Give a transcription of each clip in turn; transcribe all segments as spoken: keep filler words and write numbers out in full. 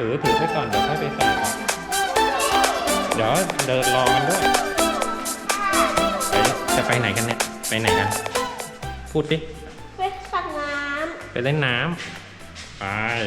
อถือไปก่อนเดี๋ยวค่อยไปใส่เดี๋ยวเดินรอมันด้วยไปจะไปไหนกันเนี่ยไปไหนกันพูดดิไปสักน้ำไปเล่นน้ำไป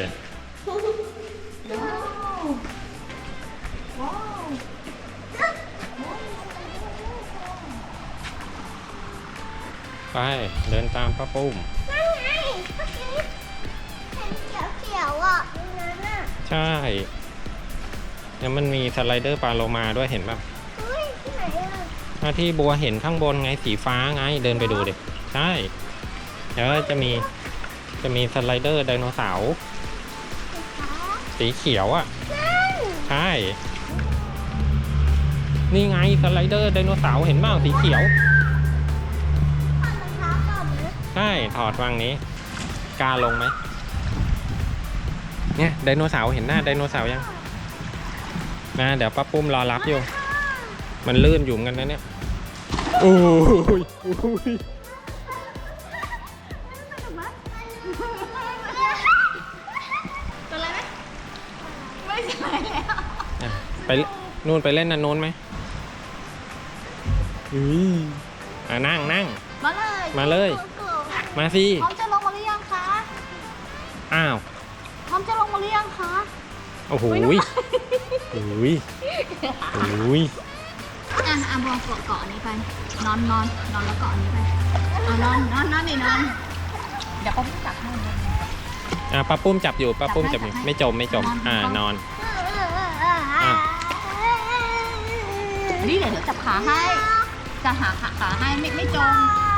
ไปเดินตามป้าปุ้มนั่นไงเมื่อกี้เห็นเขียวๆอ่ะตรงนั้นอ่ะใช่แล้วมันมีสไลเดอร์ปลาโลมาด้วยเห็นป่ะเฮ้ยที่ไหนอ่ะหน้าที่บัวเห็นข้างบนไงสีฟ้าไงเดินไปดูดิใช่แล้วจะมีจะมีสไลเดอร์ไดโนเสาร์สีเขียวอ่ะใช่นี่ไงสไลเดอร์ไดโนเสาร์เห็นบ้างสีเขียวใช่ถอดวางนี้กล้าลงไหมเนี่ยไดโนเสาร์เห็นหน้าไดโนเสาร์ยังนะเดี๋ยวป้าปุ้มรอรับอยู่มันลื่นอยู่กันนะเนี่ยโอ้ยตัวอะไรไหมไม่ใช่แล้วไปนู่นไปเล่นนั่นโน้นไหมอืออ่ะนั่งนั่งมาเลยมาเลยมาสิพร้อมจะลงมาหรือยังคะอ้าวพร้อมจะลงมาหรือยังคะโอ้โหยโอ้ยโอ้ยอ่ะอ่ะบอลเกาะเกาะนี้ไปนอนนอนนอนแล้วเกาะนี้ไปอ่ะนอนนอนนอนนี่นอนเดี๋ยวป้าปุ้มจับให้อ่ะป้าปุ้มจับอยู่ป้าปุ้มจับอยู่ไม่จมไม่จมอ่านอนอ่ะนี่เดี๋ยวเดี๋ยวจับขาให้จะหาขาขาให้ไม่ไม่จม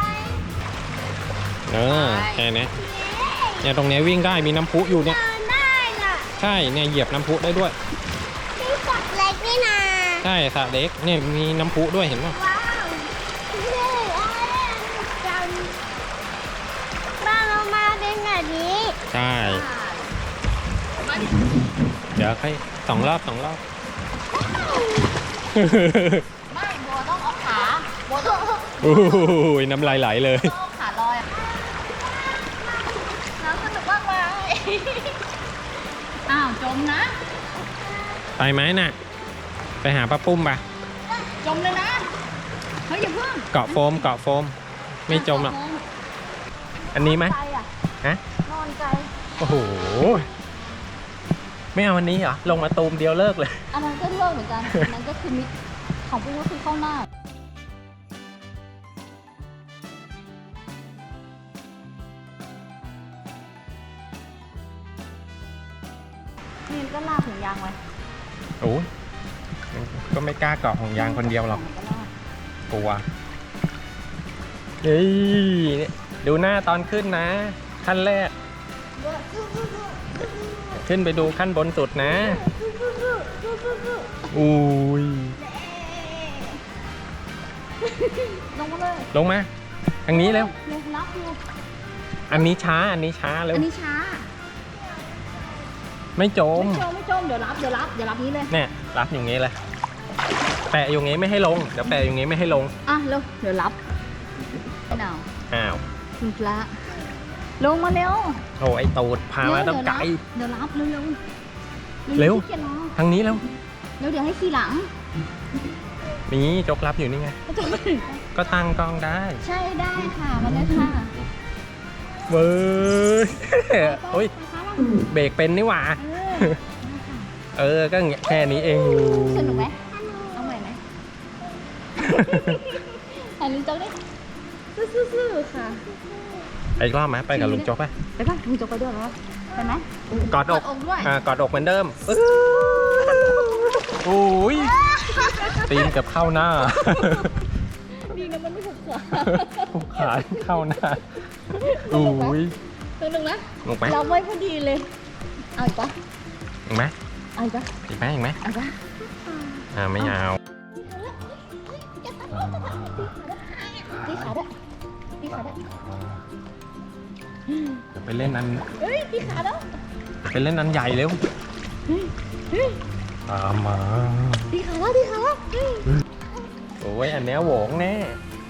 เออแค่นี้เนี่ยตรงนี้วิ่งได้มีน้ำพุอยู่เนี่ยใช่เนี่ยเหยียบน้ำพุได้ด้วยนี่สระเล็กนี่นะใช่สระเล็กเนี่ยมีน้ำพุด้วยเห็นไหมว้าวนี่จังบ้านเรามาเป็นแบบนี้ใช่เดี๋ยวให้สองรอบสองรอบไม่บัวต้องเอาขาบัวต้องโอ้ยน้ำลายไหลเลยต้องขาลอยน้ำสนุกมากเลยอ้าวจมนะไปไหมน่ะไปหาป้าปุ้มป่ะจมเลยนะเฮ้ยอย่าเพิ่งเกาะโฟมเกาะโฟมไม่จมหรอกอันนี้ไหมฮะนอนใจโอ้โหไม่เอาวันนี้เหรอลงมาตูมเดียวเลิกเลยอันนั้นก็เลิกเหมือนกันอันนั้นก็คือมิดของปุ้งก็คือเข้าหน้านี่ก็ลากถุงยางไว้โอ้ก็ไม่กล้าเกาะห่วงยางคนเดียวหรอกกลัวเฮ้ยดูหน้าตอนขึ้นนะขั้นแรกขึ้นไปดูขั้นบนสุดนะอุ้ยลงมาเลยลงมาทางนี้เร็วรับอยู่อันนี้ช้าอันนี้ช้าเร็วอันนี้ช้าไม่จมไม่จมไม่จมเดี๋ยวรับเดี๋ยวรับเดี๋ยวรับนี้เลยเนี่ยรับอย่างนี้เลยแปะอย่างนี้ไม่ให้ลงเดี๋ยวแปะอย่างนี้ไม่ให้ลงอ่ะเร็วเดี๋ยวรับหนาวอ้าวคุณพระลงมาเร็วโอ้ไอตูดพามาต้องไกลเดี๋ยวรับเร็วเร็วเร็วทางนี้เร็วเร็วเดี๋ยวให้ขี่หลังนี่จกรับอยู่นี่ไงก็ตั้งกล้องได้ใช่ได้ค่ะมาเลยค่ะเว้ยโอ้ยเบรกเป็นนี่หว่าเออก็แค่นี้เองสนุกไหมเอาใหม่ไหมถ่ายลุงโจ๊กดิซื่อๆค่ะไปอีกรอบไหมไปกับลุงโจ๊กไปไปป่ะลุงโจ๊กไปด้วยเหรอไปไหมกอดอกอ่ากอดอกเหมือนเดิมโอ้ยตีนกับเข้าหน้าดีนะมันไม่ถูกขาถูกขาเข้าหน้าโอ้ยตัวหนึ่งนะลงไปเราไว้พอดีเลยเอาอีกปะอีกไหมเอาอีกปะอีกไหมอีกไหมเอาปะอ่าไม่เอาตีขาด้วยตีขาด้วยเดี๋ยวไปเล่นอันเฮ้ยตีขาด้วยไปเล่นอันใหญ่เร็วตามมาตีขาแล้วตีขาแล้วโอ้ยอันเนี้ยโหวงแน่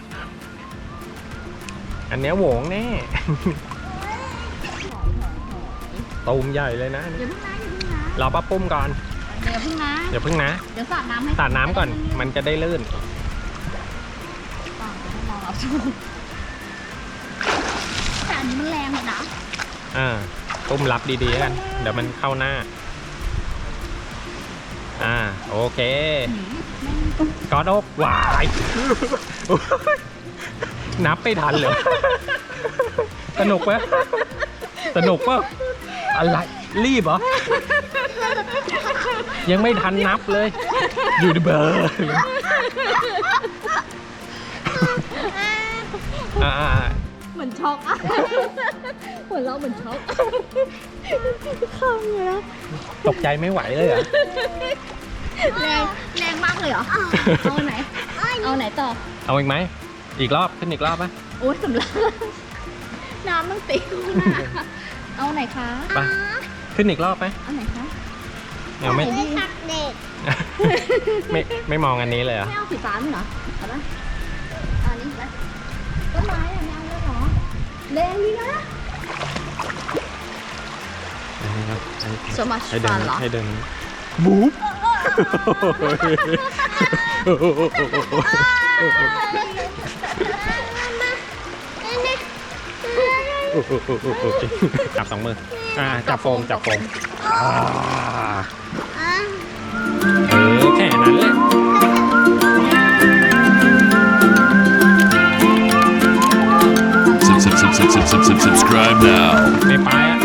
อันเนี้ยโหวงแน่ตูมใหญ่เลยนะอย่าเพิ่งนะอย่าเพิ่งนะรอป้าปุ้มก่อนเดี๋ยวพึ่งนะเดี๋ยวพึ่งนะเดี๋ยวสาดน้ำให้สาดน้ำก่อนมันจะได้ลื่นต่อให้รอรับชมแต่อันนี้มันแรงเลยนะอ่าปุ้มรับดีๆแล้วกันเดี๋ยวมันเข้าหน้าอ่าโอเคกอดอกวายนับไม่ทันเลยสนุกปะสนุกปะอะไรรีบเหรอยังไม่ทันนับเลยอยู่ในเบอร์อ่าเหมือนช็อกอะเหมือนเราเหมือนช็อกข้างเลยนะตกใจไม่ไหวเลยเหรอแรงแรงมากเลยเหรอ เอาไหน เอาไหนต่อเอาอีกไหมอีกรอบขึ้นอีกรอบไหมโอ๊ยสำลักน้ำต้องตีข้างหน้าเอาไหนคะไปขึ้นอีกรอบไหมเอาไหนคะเอาไม่เด็กไม่ไม่มองอันนี้เลยเหรอไม่เอาสีฟ้าไหมเหรอเอาปะอันนี้ไปต้นไม้อะไม่เอาเลยเหรอแรงดีนะอันนี้ครับให้ so much ให้เดิ fun นเหรอให้เดินบู๊บจับสองมืออ่าจับโฟมจับโฟมอ่าเออแค่นั้นแหละ Sub, sub, sub, sub, sub, sub, sub, subscribe now. ไม่ไปอ่ะ